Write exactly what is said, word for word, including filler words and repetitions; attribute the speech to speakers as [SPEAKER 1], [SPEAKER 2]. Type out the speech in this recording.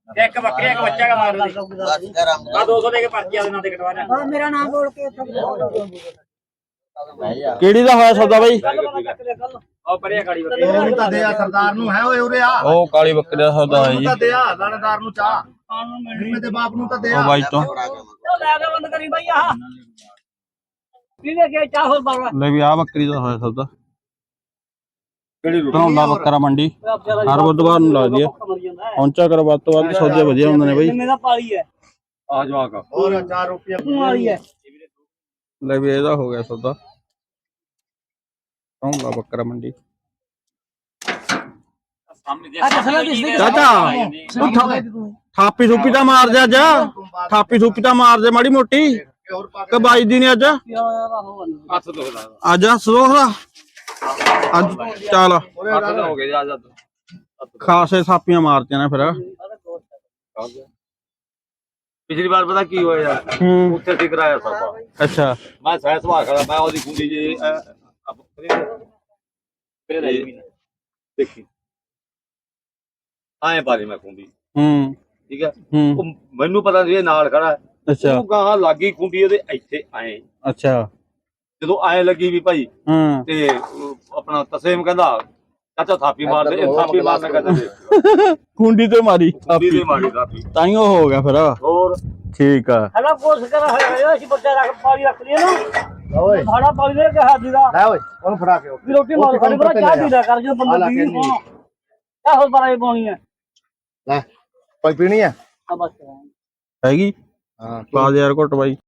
[SPEAKER 1] एक बकरी एक बच्चा का मार दे हां दो सौ देके पर्ची आदे ना दे कटवा
[SPEAKER 2] हां मेरा नाम बोल के
[SPEAKER 3] ਕਿਹੜੀ ਦਾ ਹੋਇਆ ਸੌਦਾ ਬਾਈ?
[SPEAKER 1] और परे खड़ी बकरी
[SPEAKER 4] ਉਹਨੂੰ ਤਾਂ ਦੇ ਆ ਸਰਦਾਰ ਨੂੰ ਹੈ ਓਏ ਉਰੇ ਆ
[SPEAKER 3] ਉਹ ਕਾਲੀ ਬੱਕਰੀ ਦਾ ਸੌਦਾ ਹੈ
[SPEAKER 4] ਉਹਨੂੰ
[SPEAKER 3] ਜੀ।
[SPEAKER 4] ਤਾਂ ਦੇ ਆ ਲਾਣੇਦਾਰ ਨੂੰ ਚਾਹ ਮੇਰੇ ਤੇ ਬਾਪ ਨੂੰ ਤਾਂ ਦੇ
[SPEAKER 3] ਉਹ
[SPEAKER 4] ਆ
[SPEAKER 3] ਬਾਈ ਤੋਂ
[SPEAKER 2] ਲੈ ਕੇ ਬੰਦ ਕਰੀ ਬਈ ਆਹ ਪੀਵੇ ਕੇ ਚਾਹ ਹੋਰ ਬਾਵਾ
[SPEAKER 3] ਲੈ ਵੀ ਆ ਬੱਕਰੀ ਦਾ ਹੋਇਆ ਸੌਦਾ। ਧਨੌਲਾ ਬੱਕਰਾ ਮੰਡੀ ਹਰ ਬੁੱਧਵਾਰ ਨੂੰ ਲੱਗਦੀ ਹੈ। ਪਹੁੰਚਾ ਕਰੋ ਵੱਧ ਤੋਂ ਵੱਧ, ਸੌਦੇ ਵਧੀਆ ਹੁੰਦੇ ਨੇ ਬਾਈ।
[SPEAKER 2] ਮੇਰਾ ਪਾਲੀ ਹੈ
[SPEAKER 1] आ जाओ का
[SPEAKER 4] ਹੋਰ ਚਾਰ ਰੁਪਏ
[SPEAKER 2] ਵਾਲੀ ਹੈ
[SPEAKER 3] ਲੈ ਵੀ ਇਹਦਾ ਹੋ ਗਿਆ ਸੌਦਾ। ਧਨੌਲਾ ਬੱਕਰਾ ਮੰਡੀ।
[SPEAKER 2] ਅੱਛਾ ਸਲਾ ਦਿਸ ਦੇ
[SPEAKER 3] ਚਾਚਾ ਤੂੰ ਥਾ- ਥਾਪੀ ਥੂਪੀ ਤਾਂ ਮਾਰ ਜਾ ਅੱਜ। ਥਾਪੀ ਥੂਪੀ ਤਾਂ ਮਾਰ ਦੇ ਮਾੜੀ ਮੋਟੀ ਕਿ ਬਾਈ ਦੀ ਨੇ ਅੱਜ
[SPEAKER 1] हाथ तो होगा
[SPEAKER 3] ਅੱਜ ਸੋਹਰਾ ਅੱਜ ਚੱਲ
[SPEAKER 1] हाथ तो हो गए आ जा
[SPEAKER 3] ਖਾਸੇ ਥਾਪੀਆਂ ਮਾਰਤੀਆਂ ਨੇ ਫਿਰ।
[SPEAKER 1] पिछली बार पता की होया यार
[SPEAKER 3] ਹੂੰ
[SPEAKER 1] ਉੱਥੇ ਠੀਕ ਕਰਾਇਆ ਸਭ
[SPEAKER 3] ਅੱਛਾ
[SPEAKER 1] ਮੈਂ ਸਹਿ ਸੁਭਾ ਖੜਾ ਮੈਂ ਉਹਦੀ ਕੁੰਡੀ ਜੀ ਫਿਰ ਦੇਖੀ ਆਏ ਪਾਲੀ ਮੈਂ ਕੁੰਡੀ
[SPEAKER 3] ਹੂੰ
[SPEAKER 1] ਠੀਕ ਹੈ
[SPEAKER 3] ਹੂੰ
[SPEAKER 1] ਉਹ ਮੈਨੂੰ ਪਤਾ ਨਹੀਂ ਇਹ ਨਾਲ ਖੜਾ
[SPEAKER 3] ਅੱਛਾ
[SPEAKER 1] ਉਹ ਗਾਹਾਂ ਲੱਗੀ ਕੁੰਡੀ ਉਹਦੇ ਇੱਥੇ ਆਏ
[SPEAKER 3] ਅੱਛਾ
[SPEAKER 1] ਜਦੋਂ ਆਏ ਲੱਗੀ ਵੀ ਭਾਈ
[SPEAKER 3] ਹੂੰ
[SPEAKER 1] ਤੇ ਉਹ ਆਪਣਾ ਤਸੇਮ ਕਹਿੰਦਾ ਚਾਚਾ ਥਾਪੀ ਮਾਰ ਦੇ ਇਹ ਥਾਪੀ ਮਾਰਨਾ ਕਹਿੰਦੇ
[SPEAKER 3] ਕੁੰਡੀ ਤੇ ਮਾਰੀ
[SPEAKER 1] ਥਾਪੀ ਦੇ ਮਾਰੀ ਥਾਪੀ
[SPEAKER 3] ਤਾਈਓ ਹੋ ਗਿਆ ਫਿਰ।
[SPEAKER 1] ਹੋਰ
[SPEAKER 3] ਠੀਕ ਆ
[SPEAKER 2] ਹਲਾ ਕੋਸ ਕਰ ਹੋਇਆ ਅਸੀਂ ਬੱਚਾ ਰੱਖ ਪਾਲੀ ਰੱਖ ਲਿਆ ਨਾ
[SPEAKER 4] ਓਏ
[SPEAKER 2] ਸਾਡਾ ਪਾਲੀ ਨੇ ਕਿਹਾ ਦੀਦਾ
[SPEAKER 4] ਲੈ ਓਏ ਉਹਨੂੰ ਫੜਾ ਕੇ
[SPEAKER 2] ਵੀ ਰੋਟੀ ਮਾਰ ਖਾਣੀ ਬੜਾ ਚਾਹ ਪੀ ਲਿਆ ਕਰ ਜਦੋਂ ਬੰਦਾ ਪੀ ਚਾਹ ਹੋਰ ਬੜਾ ਪਾਉਣੀ ਹੈ
[SPEAKER 4] ਲੈ ਕੋਈ ਪੀਣੀ ਆ
[SPEAKER 2] ਆ ਬਸ
[SPEAKER 3] ਹੈਗੀ
[SPEAKER 4] ਹਾਂ
[SPEAKER 3] ਪਾ ਦੇ ਯਾਰ ਘੁੱਟ ਬਾਈ।